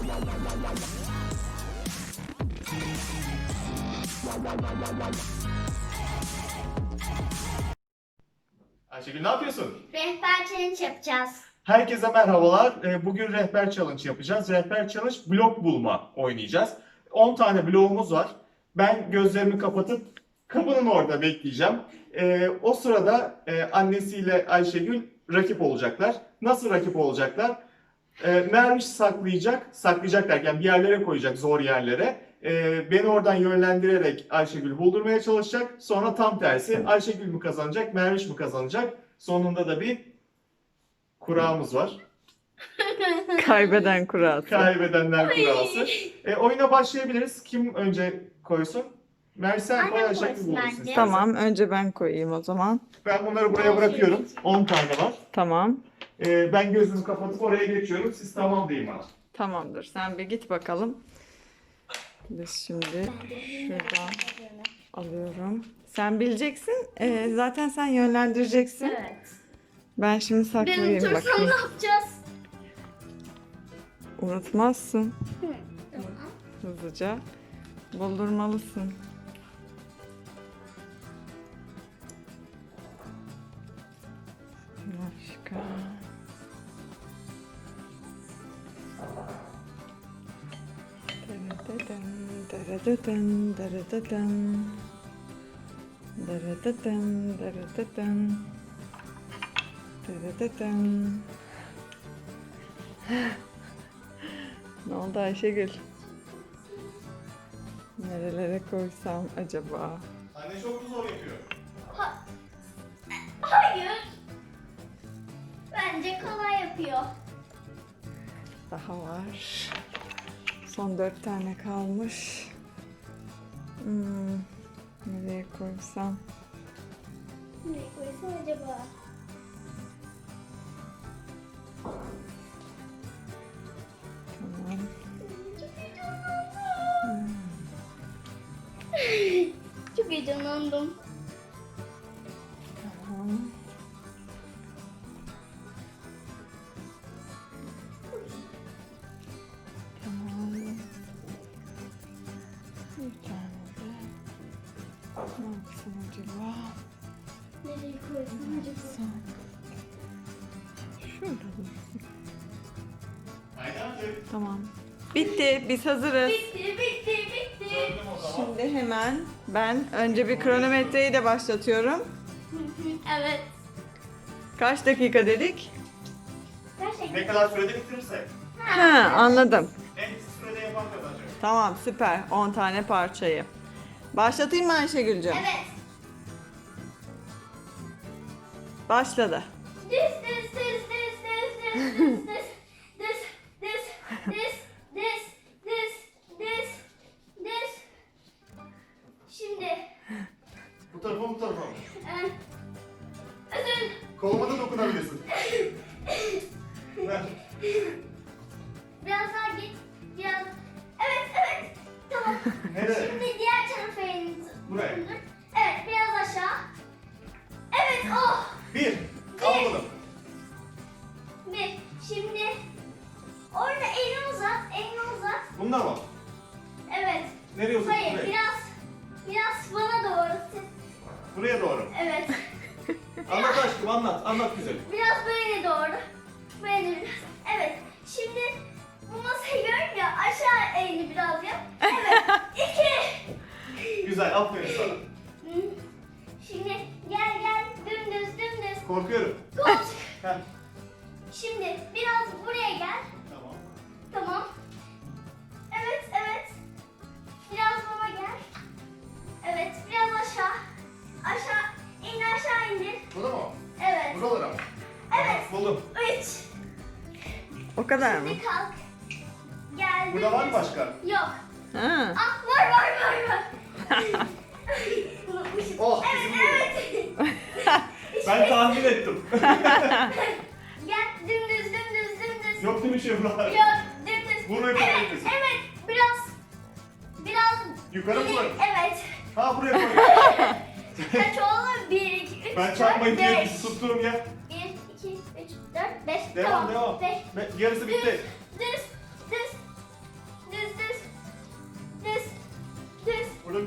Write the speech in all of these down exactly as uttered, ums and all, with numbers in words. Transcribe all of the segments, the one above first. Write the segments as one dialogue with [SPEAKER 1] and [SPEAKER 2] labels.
[SPEAKER 1] Ayşegül ne yapıyorsun?
[SPEAKER 2] Rehber challenge yapacağız.
[SPEAKER 1] Herkese merhabalar. Ee, Bugün rehber challenge yapacağız. Rehber challenge blok bulma oynayacağız. on tane bloğumuz var. Ben gözlerimi kapatıp kapının orada bekleyeceğim. Ee, o sırada e, annesiyle Ayşegül rakip olacaklar. Nasıl rakip olacaklar? Ee, Merviş saklayacak. Saklayacak derken bir yerlere koyacak, zor yerlere. Ee, beni oradan yönlendirerek Ayşegül buldurmaya çalışacak. Sonra tam tersi Ayşegül mü kazanacak, Merviş mi kazanacak? Sonunda da bir kurağımız var.
[SPEAKER 3] Kaybeden kurası.
[SPEAKER 1] Kaybedenler kurası. E, oyuna başlayabiliriz. Kim önce koysun? Merviş sen
[SPEAKER 2] Annem
[SPEAKER 1] koy, Ayşegül
[SPEAKER 2] koysun
[SPEAKER 1] bulursun
[SPEAKER 2] bence.
[SPEAKER 1] istersen.
[SPEAKER 3] Tamam, önce ben koyayım o zaman.
[SPEAKER 1] Ben bunları buraya bırakıyorum. on tane var.
[SPEAKER 3] Tamam.
[SPEAKER 1] E, ben gözümü kapatıp oraya geçiyorum. Siz tamam deyin bana.
[SPEAKER 3] Tamamdır. Sen bir git bakalım. Biz şimdi şuradan alıyorum. Sen bileceksin. Ee, zaten sen yönlendireceksin.
[SPEAKER 2] Evet.
[SPEAKER 3] Ben şimdi
[SPEAKER 2] Ben
[SPEAKER 3] saklayayım
[SPEAKER 2] unutursam
[SPEAKER 3] bakayım.
[SPEAKER 2] ne yapacağız?
[SPEAKER 3] Unutmazsın.
[SPEAKER 2] Tamam.
[SPEAKER 3] Hızlıca buldurmalısın. Başka. Derededen, derededen, derededen. Derededen, derededen. Derededen. Ne oldu Ayşegül? Nerelere koysam acaba?
[SPEAKER 1] Anne çok mu zor yapıyor?
[SPEAKER 2] Hayır. Bence kolay yapıyor.
[SPEAKER 3] Daha var. Son dört tane kalmış. Hmm, nereye koysam?
[SPEAKER 2] Nereye koysam acaba?
[SPEAKER 3] Tamam.
[SPEAKER 2] Çok heyecanlandım.
[SPEAKER 3] Tamam. Tamam. Bir tane de. Ne yapsam acaba?
[SPEAKER 2] Nereye koysam acaba?
[SPEAKER 3] Son. Şurada dursun.
[SPEAKER 1] Aynen öyle.
[SPEAKER 3] Tamam. Bitti. Biz hazırız.
[SPEAKER 2] Bitti, bitti, bitti.
[SPEAKER 1] Gördüm o zaman.
[SPEAKER 3] Şimdi hemen ben önce bir kronometreyi de başlatıyorum.
[SPEAKER 2] Evet.
[SPEAKER 3] Kaç dakika dedik?
[SPEAKER 2] Gerçekten.
[SPEAKER 1] Ne kadar sürede bitirirse
[SPEAKER 3] Ha, anladım.
[SPEAKER 1] en kısa sürede yapan kazanacak.
[SPEAKER 3] Tamam, süper. on tane parçayı. Başlatayım mı Ayşegül'cüğüm?
[SPEAKER 2] Evet.
[SPEAKER 3] Başladı.
[SPEAKER 2] This, this, this, this, this, this, this, this, this, this, this, this, this, this. Şimdi,
[SPEAKER 1] Bu tarafa bu tarafa.
[SPEAKER 2] e, özür,
[SPEAKER 1] Koluma da dokunabilirsin. Ver.
[SPEAKER 2] biraz daha git, biraz. Evet, evet. Tamam.
[SPEAKER 1] Nereye?
[SPEAKER 2] Şimdi diğer tarafa elinizi.
[SPEAKER 1] Buraya.
[SPEAKER 2] Evet, biraz aşağı. Evet, oh.
[SPEAKER 1] Bir. Al bunu.
[SPEAKER 2] Bir. Şimdi orada elini uzat, elini uzat.
[SPEAKER 1] Bunda mı?
[SPEAKER 2] Evet.
[SPEAKER 1] Nereye uzat?
[SPEAKER 2] Hayır,
[SPEAKER 1] Buraya.
[SPEAKER 2] biraz biraz bana doğru.
[SPEAKER 1] Buraya doğru.
[SPEAKER 2] Evet.
[SPEAKER 1] Anlat aşkım anlat. Anlat güzel.
[SPEAKER 2] Biraz böyle doğru. Böyle biraz. Evet. Şimdi bu masayı görün ya, aşağı elini biraz yap. Evet. İki.
[SPEAKER 1] Güzel. Aferin sana.
[SPEAKER 2] Hı. Şimdi gel gel dümdüz dümdüz.
[SPEAKER 1] Korkuyorum.
[SPEAKER 2] Koş.
[SPEAKER 1] Heh.
[SPEAKER 2] Şimdi biraz buraya gel.
[SPEAKER 1] Tamam.
[SPEAKER 2] Tamam. Evet, evet. Biraz baba gel. Evet, biraz aşağı. Aşağı, in aşağı indir.
[SPEAKER 1] Burada mı?
[SPEAKER 2] Evet.
[SPEAKER 1] Buralara mı?
[SPEAKER 2] Evet.
[SPEAKER 1] Buldum.
[SPEAKER 2] Üç.
[SPEAKER 3] O kadar mı?
[SPEAKER 2] Şimdi kalk. Gel.
[SPEAKER 1] Burada var mı
[SPEAKER 2] dümdüz.
[SPEAKER 1] başka?
[SPEAKER 2] Yok.
[SPEAKER 3] Ha.
[SPEAKER 2] Ah, var var var var. Unutmuşum.
[SPEAKER 1] Oh,
[SPEAKER 2] Evet,
[SPEAKER 1] bizim
[SPEAKER 2] evet.
[SPEAKER 1] Ben tahmin ettim.
[SPEAKER 2] Gel, dümdüz, dümdüz, dümdüz.
[SPEAKER 1] Yok değil mi şey buralar?
[SPEAKER 2] Yok, dümdüz.
[SPEAKER 1] Bunu
[SPEAKER 2] Evet,
[SPEAKER 1] yapabiliriz.
[SPEAKER 2] evet. Biraz, biraz.
[SPEAKER 1] Yukarı mı koy?
[SPEAKER 2] Evet.
[SPEAKER 1] Ha buraya koy.
[SPEAKER 2] Kaç oldu? Bir, iki, üç,
[SPEAKER 1] Ben
[SPEAKER 2] dört,
[SPEAKER 1] çarpmayı diye
[SPEAKER 2] beş.
[SPEAKER 1] tutturum ya.
[SPEAKER 2] Bir, iki, üç, dört, beş.
[SPEAKER 1] Devam
[SPEAKER 2] Tamam.
[SPEAKER 1] devam.
[SPEAKER 2] Beş.
[SPEAKER 1] Be- Yarısı bitti.
[SPEAKER 2] Düz, düz,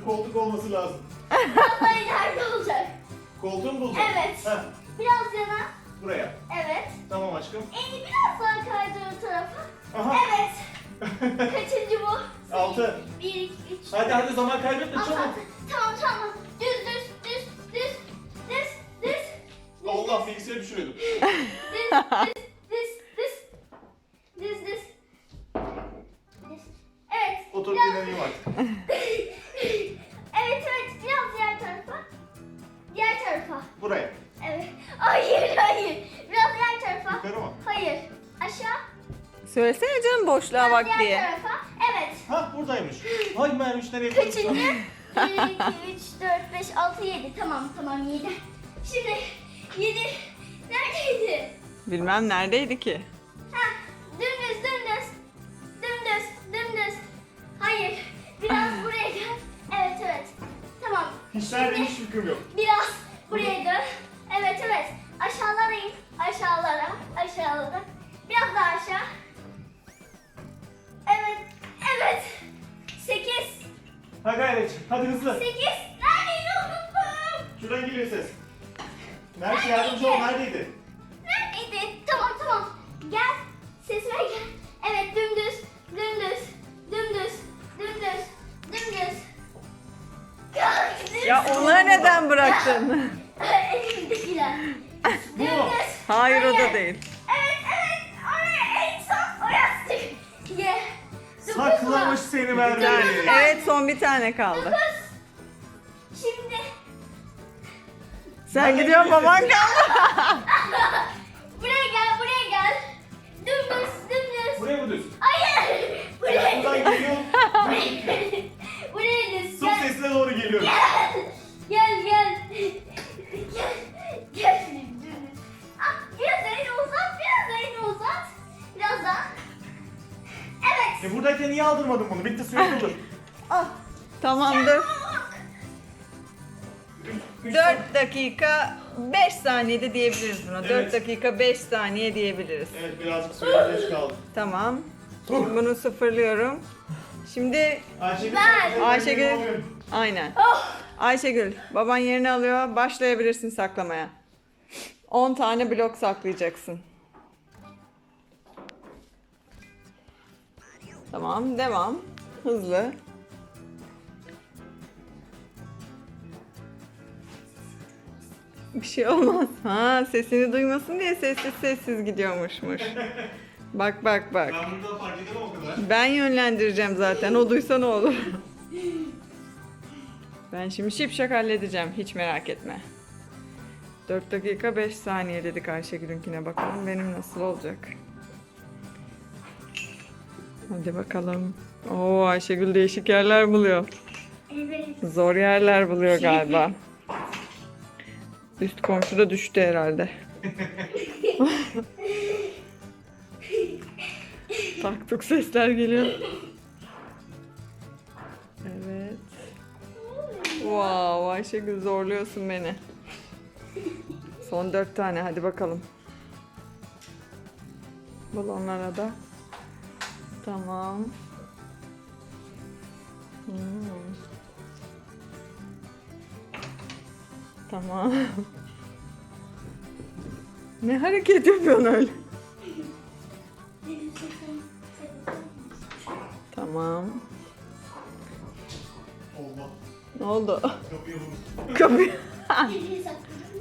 [SPEAKER 1] koltuk olması lazım.
[SPEAKER 2] Biraz daha ileride olacak.
[SPEAKER 1] Koltuğu mu buldun?
[SPEAKER 2] Evet.
[SPEAKER 1] Heh,
[SPEAKER 2] Biraz yana.
[SPEAKER 1] buraya.
[SPEAKER 2] Evet.
[SPEAKER 1] Tamam aşkım.
[SPEAKER 2] Elini biraz daha kaydır o tarafa.
[SPEAKER 1] Aha.
[SPEAKER 2] Evet. Kaçıncı bu?
[SPEAKER 1] Altı.
[SPEAKER 2] Bir, iki, üç.
[SPEAKER 1] Hadi hadi zaman kaybetme
[SPEAKER 2] Altı,
[SPEAKER 1] çabuk.
[SPEAKER 2] altı. Tamam tamam. Düz düz düz düz düz düz.
[SPEAKER 1] Allah bilgisayarı düşürüyordum.
[SPEAKER 2] Düz düz düz düz. Düz düz. Düz. Evet.
[SPEAKER 1] Otur
[SPEAKER 2] biraz-
[SPEAKER 1] dinleneyim artık.
[SPEAKER 2] Evet evet. Biraz diğer tarafa. Diğer tarafa.
[SPEAKER 1] Buraya.
[SPEAKER 2] Evet. Hayır hayır. Biraz diğer tarafa.
[SPEAKER 1] Yukarı mı?
[SPEAKER 2] Hayır. Aşağı.
[SPEAKER 3] Söylesene canım boşluğa
[SPEAKER 2] Biraz
[SPEAKER 3] bak
[SPEAKER 2] diğer
[SPEAKER 3] diye.
[SPEAKER 2] tarafa. Evet.
[SPEAKER 1] Ha buradaymış. Hay Merviş nereye koydun?
[SPEAKER 2] Kaçıncı? bir, iki, üç, dört, beş, altı, yedi. Tamam tamam yedi. Şimdi yedi. Neredeydi?
[SPEAKER 3] Bilmem neredeydi ki.
[SPEAKER 2] Ha, dümdüz dümdüz. Dümdüz dümdüz. Hayır. Biraz buraya gel. Evet evet. Tamam.
[SPEAKER 1] Hiç nerede hiç fikrim yok.
[SPEAKER 2] Biraz buraya dön. Evet evet. Aşağılara in. Aşağılara. Aşağılara. Biraz daha aşağı. Evet. Evet. Sekiz.
[SPEAKER 1] Ha gayret. Hadi hızlı.
[SPEAKER 2] Sekiz. Neredeydi unuttum.
[SPEAKER 1] Şuradan geliyor ses. Merviş yardımcı ol neredeydi?
[SPEAKER 2] Neredeydi? Tamam tamam. Gel. Sesime gel. Evet dümdüz. Dümdüz. Dümdüz. Dümdüz. Dümdüz.
[SPEAKER 3] Ya onları neden bıraktın?
[SPEAKER 2] Elimdekiler.
[SPEAKER 1] Bu mu?
[SPEAKER 2] Dümdüz.
[SPEAKER 3] Hayır o da değil.
[SPEAKER 2] Evet evet. Oraya en son orası. Ye. Dokuz mu?
[SPEAKER 1] Saklamış seni Merviş.
[SPEAKER 3] Evet son bir tane kaldı.
[SPEAKER 2] Dokuz. Şimdi
[SPEAKER 3] Sen
[SPEAKER 1] Nerede
[SPEAKER 3] gidiyorsun
[SPEAKER 1] gidiyorsun?
[SPEAKER 3] baban kaldı.
[SPEAKER 2] buraya gel buraya gel. Dümdüz dümdüz.
[SPEAKER 1] Buraya mı düz?
[SPEAKER 2] Hayır. Buraya
[SPEAKER 1] Sen buradan
[SPEAKER 2] gel.
[SPEAKER 1] geliyor.
[SPEAKER 2] Buraya düz.
[SPEAKER 1] Su
[SPEAKER 2] Gel.
[SPEAKER 1] sesine doğru geliyor.
[SPEAKER 2] Gel gel. Gel. Gel. Dümdüz. Ah, biraz elini uzat. Biraz elini uzat. Biraz daha. Evet.
[SPEAKER 1] E buradayken niye aldırmadın bunu? Bitti suyu doldur.
[SPEAKER 3] Ah, tamamdır.
[SPEAKER 1] Üç-
[SPEAKER 3] dört dakika beş saniyede diyebiliriz buna.
[SPEAKER 1] Evet.
[SPEAKER 3] dört dakika beş saniye diyebiliriz.
[SPEAKER 1] Evet birazcık suya geç kaldım.
[SPEAKER 3] Tamam. Şimdi bunu sıfırlıyorum. Şimdi
[SPEAKER 1] Ayşegül.
[SPEAKER 2] Ben.
[SPEAKER 1] sen-
[SPEAKER 3] Ayşegül. Aynen.
[SPEAKER 2] Oh.
[SPEAKER 3] Ayşegül baban yerini alıyor. Başlayabilirsin saklamaya. on tane blok saklayacaksın. Tamam devam. Hızlı. Bir şey olmaz. Ha sesini duymasın diye sessiz sessiz gidiyormuşmuş. Bak bak bak.
[SPEAKER 1] Ben burada fark edemem o kadar.
[SPEAKER 3] Ben yönlendireceğim zaten. O duysa ne olur. Ben şimdi şipşak halledeceğim. Hiç merak etme. dört dakika beş saniye dedik Ayşegül'ünkine. Bakalım benim nasıl olacak. Hadi bakalım. Oo Ayşegül değişik yerler buluyor.
[SPEAKER 2] Evet.
[SPEAKER 3] Zor yerler buluyor galiba. Üst komşu da düştü herhalde. Taktuk sesler geliyor. Evet. Wow, Ayşegül zorluyorsun beni. Son dört tane hadi bakalım. Balonlara da. Tamam. Hmm. Tamam. Ne hareket yapıyorsun öyle? Tamam.
[SPEAKER 1] Allah.
[SPEAKER 3] Ne oldu?
[SPEAKER 1] Kapıyı vurdum.
[SPEAKER 3] Kapı.
[SPEAKER 2] Elini sakla.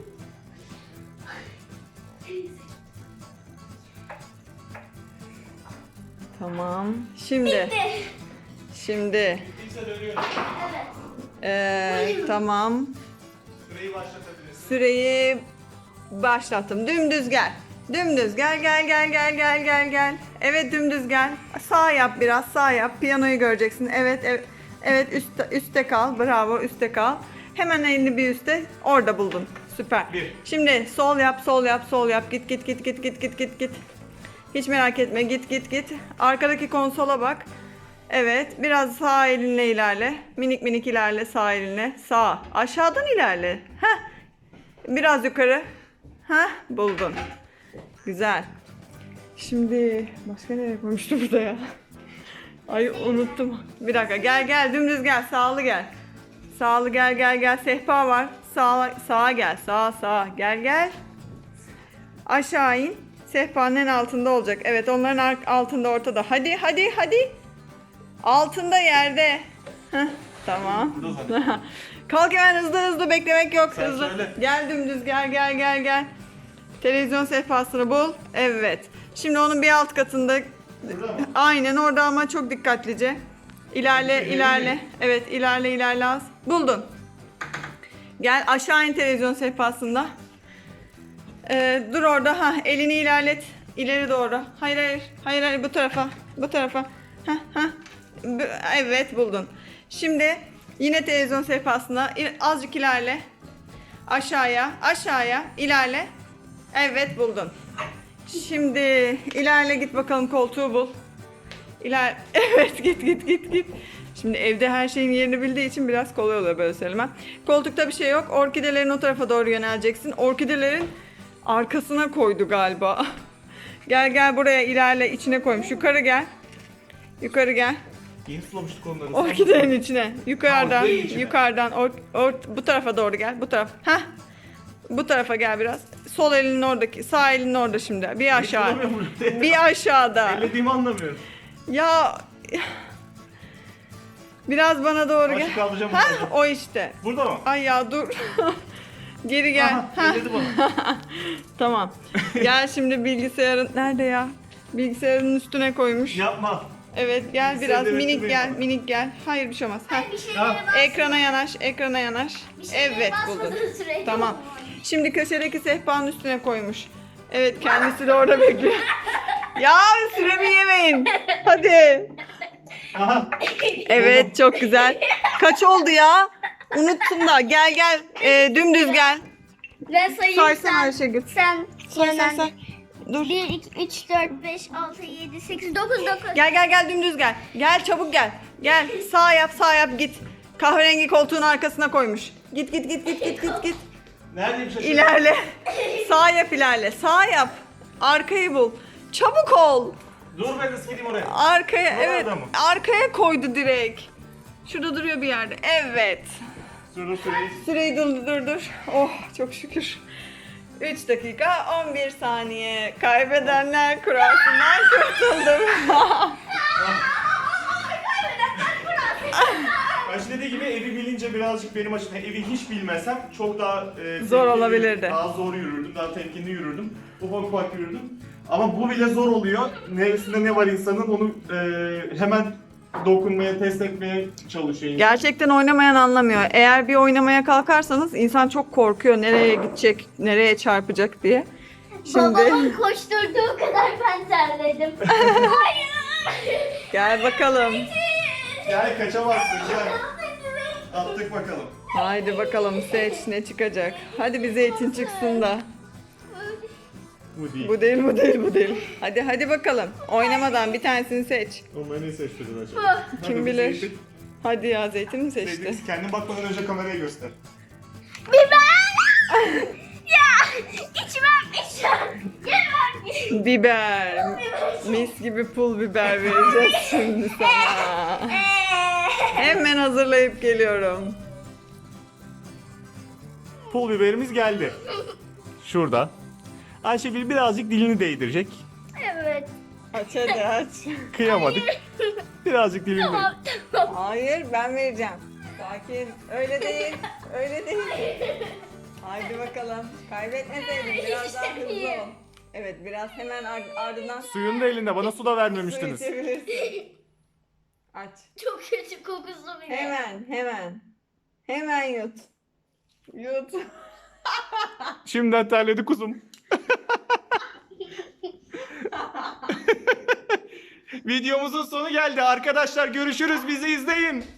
[SPEAKER 3] Tamam. Şimdi.
[SPEAKER 2] Bitti.
[SPEAKER 3] Şimdi.
[SPEAKER 1] Bittiyse dönüyorum.
[SPEAKER 2] Evet.
[SPEAKER 3] Ee, tamam.
[SPEAKER 1] Süreyi başlatabilirsin.
[SPEAKER 3] Süreyi başlattım. Dümdüz gel. Dümdüz gel gel gel gel gel gel gel. Evet dümdüz gel. Sağ yap biraz sağ yap. Piyanoyu göreceksin. Evet evet. Evet üstte, üstte kal. Bravo üstte kal. Hemen elini bir üstte. Orada buldun. Süper.
[SPEAKER 1] Bir.
[SPEAKER 3] Şimdi sol yap sol yap sol yap. Git git git git git git git git. Hiç merak etme git git git. Arkadaki konsola bak. Evet biraz sağ elinle ilerle. Minik minik ilerle sağ elinle. Sağ. Aşağıdan ilerle. Heh. Biraz yukarı. Heh buldun. Güzel. Şimdi başka nereye koymuştum burada ya? Ay unuttum. Bir dakika gel gel dümdüz gel sağlı gel. Sağlı gel gel gel. Sehpa var. Sağa, sağa gel. Sağa sağa. Gel gel. Aşağı in. Sehpanın en altında olacak. Evet, onların ar- altında, ortada. Hadi hadi hadi. Altında, yerde. Heh, tamam.
[SPEAKER 1] Burada zaten.
[SPEAKER 3] Kalk hemen, hızlı hızlı, beklemek yok.
[SPEAKER 1] Sen
[SPEAKER 3] Hızlı.
[SPEAKER 1] söyle.
[SPEAKER 3] Gel dümdüz, gel gel gel gel. Televizyon sehpasını bul. Evet. Şimdi onun bir alt katında.
[SPEAKER 1] Burada mı?
[SPEAKER 3] Aynen orada ama çok dikkatlice. İlerle,
[SPEAKER 1] Peki,
[SPEAKER 3] ilerle.
[SPEAKER 1] mi?
[SPEAKER 3] Evet, ilerle, ilerle az. Buldun. Gel aşağı in televizyon sehpasında. Ee, dur orada. Ha, elini ilerlet. İleri doğru. Hayır, hayır. Hayır, hayır, bu tarafa. Bu tarafa. Ha, ha. Bu- Evet, buldun. Şimdi yine televizyon sehpasında İ- azıcık ilerle. Aşağıya, aşağıya ilerle. Evet, buldun. Şimdi ilerle, git bakalım, koltuğu bul. İler evet, git git git git. Şimdi evde her şeyin yerini bildiği için biraz kolay oluyor böyle söylemem. Koltukta bir şey yok. Orkidelerin o tarafa doğru yöneleceksin. Orkidelerin arkasına koydu galiba. Gel gel buraya, ilerle, içine koymuş. Yukarı gel. Yukarı gel.
[SPEAKER 1] Yeni sulamıştık onları.
[SPEAKER 3] Orkidenin içine. Yukarıdan,
[SPEAKER 1] orkidenin içine.
[SPEAKER 3] yukarıdan. Or, or- bu tarafa doğru gel. Bu taraf. Hah. Bu tarafa gel biraz. Sol elinin oradaki, sağ elinin orada şimdi. Bir aşağı.
[SPEAKER 1] Sulamıyorum burada.
[SPEAKER 3] Bir aşağıda.
[SPEAKER 1] Ellediğimi anlamıyorum.
[SPEAKER 3] Ya biraz bana doğru gel.
[SPEAKER 1] Başlık alacağım.
[SPEAKER 3] Ha,
[SPEAKER 1] burada.
[SPEAKER 3] o işte.
[SPEAKER 1] Burada mı?
[SPEAKER 3] Ay ya dur. Geri gel.
[SPEAKER 1] Aha,
[SPEAKER 3] Ha.
[SPEAKER 1] elledi bana.
[SPEAKER 3] Tamam. Gel şimdi bilgisayarın nerede ya? Bilgisayarın üstüne koymuş.
[SPEAKER 1] Yapma.
[SPEAKER 3] Evet, gel
[SPEAKER 1] Bilgisayarı
[SPEAKER 3] biraz
[SPEAKER 1] denetim
[SPEAKER 3] minik gel,
[SPEAKER 1] yapma.
[SPEAKER 3] minik gel. Hayır, bir şey olmaz. Ha.
[SPEAKER 2] Ben bir şeylere
[SPEAKER 1] Ha.
[SPEAKER 2] bas.
[SPEAKER 3] Ekrana yanaş, ekrana yanaş.
[SPEAKER 2] Bir şeylere
[SPEAKER 3] Evet, buldun.
[SPEAKER 2] basmadığın sürece
[SPEAKER 3] Tamam.
[SPEAKER 2] olmuyor.
[SPEAKER 3] Şimdi köşedeki sehpanın üstüne koymuş. Evet, kendisi de orada bekliyor. Ya süremi yemeyin. Hadi.
[SPEAKER 1] Aha.
[SPEAKER 3] Evet, çok güzel. Kaç oldu ya? Unuttum da. Gel gel. Ee, dümdüz gel.
[SPEAKER 2] Ben sayayım,
[SPEAKER 3] Saysana
[SPEAKER 2] sen.
[SPEAKER 3] Ayşegül.
[SPEAKER 2] Sen.
[SPEAKER 3] Say say
[SPEAKER 2] sen.
[SPEAKER 3] say. Dur.
[SPEAKER 2] bir, iki, üç, dört, beş, altı, yedi, sekiz, dokuz, dokuz.
[SPEAKER 3] Gel gel gel, dümdüz gel. Gel çabuk gel. Gel, sağ yap, sağ yap, git. Kahverengi koltuğun arkasına koymuş. Git git git git git git git.
[SPEAKER 1] Neredeyim şaşırdım.
[SPEAKER 3] İlerle. Sağ yap, ilerle. Sağ yap. Arkayı bul. Çabuk ol.
[SPEAKER 1] Dur ben de gideyim oraya.
[SPEAKER 3] Arkaya,
[SPEAKER 1] Buralarda
[SPEAKER 3] evet.
[SPEAKER 1] mı?
[SPEAKER 3] Arkaya koydu direkt. Şurada duruyor bir yerde. Evet.
[SPEAKER 1] Dur süreyi.
[SPEAKER 3] Süreyi dur dur dur. Oh, çok şükür. üç dakika on bir saniye. Kaybedenler kurasından kurtuldum.
[SPEAKER 1] Ayşe dediği gibi evi bilince birazcık benim açımdan evi hiç bilmesem çok daha e,
[SPEAKER 3] Zor
[SPEAKER 1] temkinli,
[SPEAKER 3] olabilirdi.
[SPEAKER 1] Daha zor yürürdüm, daha temkinli yürürdüm. Ufak ufak yürürdüm. Ama bu bile zor oluyor. Neresinde ne var insanın onu e, hemen dokunmaya, test etmeye çalışıyor insan.
[SPEAKER 3] Gerçekten oynamayan anlamıyor. Eğer bir oynamaya kalkarsanız insan çok korkuyor. Nereye gidecek, nereye çarpacak diye. Şimdi
[SPEAKER 2] Babamın koşturduğu kadar ben terledim. Hayır.
[SPEAKER 3] gel bakalım.
[SPEAKER 1] Gel kaçamazsın gel. Attık bakalım.
[SPEAKER 3] Haydi bakalım, seç ne çıkacak. Hadi bir zeytin çıksın da.
[SPEAKER 1] Bu değil.
[SPEAKER 3] Bu değil, bu değil, bu değil. Hadi hadi bakalım. Oynamadan bir tanesini seç.
[SPEAKER 1] Onları ne seçtirdin acaba?
[SPEAKER 3] Kim
[SPEAKER 1] Hadi
[SPEAKER 3] bilir.
[SPEAKER 1] zeytin.
[SPEAKER 3] Hadi ya, zeytin mi seçti?
[SPEAKER 1] Zeytin, kendin bakmadan önce kameraya göster.
[SPEAKER 2] Biber. Ya içmem içmem. Yemem.
[SPEAKER 3] Biber. Mis gibi pul biber vereceğiz şimdi sana. Hemen hazırlayıp geliyorum.
[SPEAKER 1] Pul biberimiz geldi. Şurada. Ayşegül birazcık dilini değdirecek.
[SPEAKER 2] Evet.
[SPEAKER 3] Aç hadi aç.
[SPEAKER 1] Kıyamadık. Birazcık dilini
[SPEAKER 2] Tamam
[SPEAKER 1] değdir.
[SPEAKER 2] tamam.
[SPEAKER 3] Hayır, ben vereceğim. Sakin. Öyle değil. Öyle değil. Haydi bakalım. Kaybetmeseydin biraz daha hızlı ol. Evet, biraz hemen ar- ardından
[SPEAKER 1] Suyun da elinde. Bana su da
[SPEAKER 3] su
[SPEAKER 1] vermemiştiniz.
[SPEAKER 3] içebilirsin. Aç.
[SPEAKER 2] Çok kötü kokusu bile.
[SPEAKER 3] Hemen, hemen. Hemen yut. Yut.
[SPEAKER 1] Şimdiden terledi kuzum. Videomuzun sonu geldi. Arkadaşlar görüşürüz. Bizi izleyin.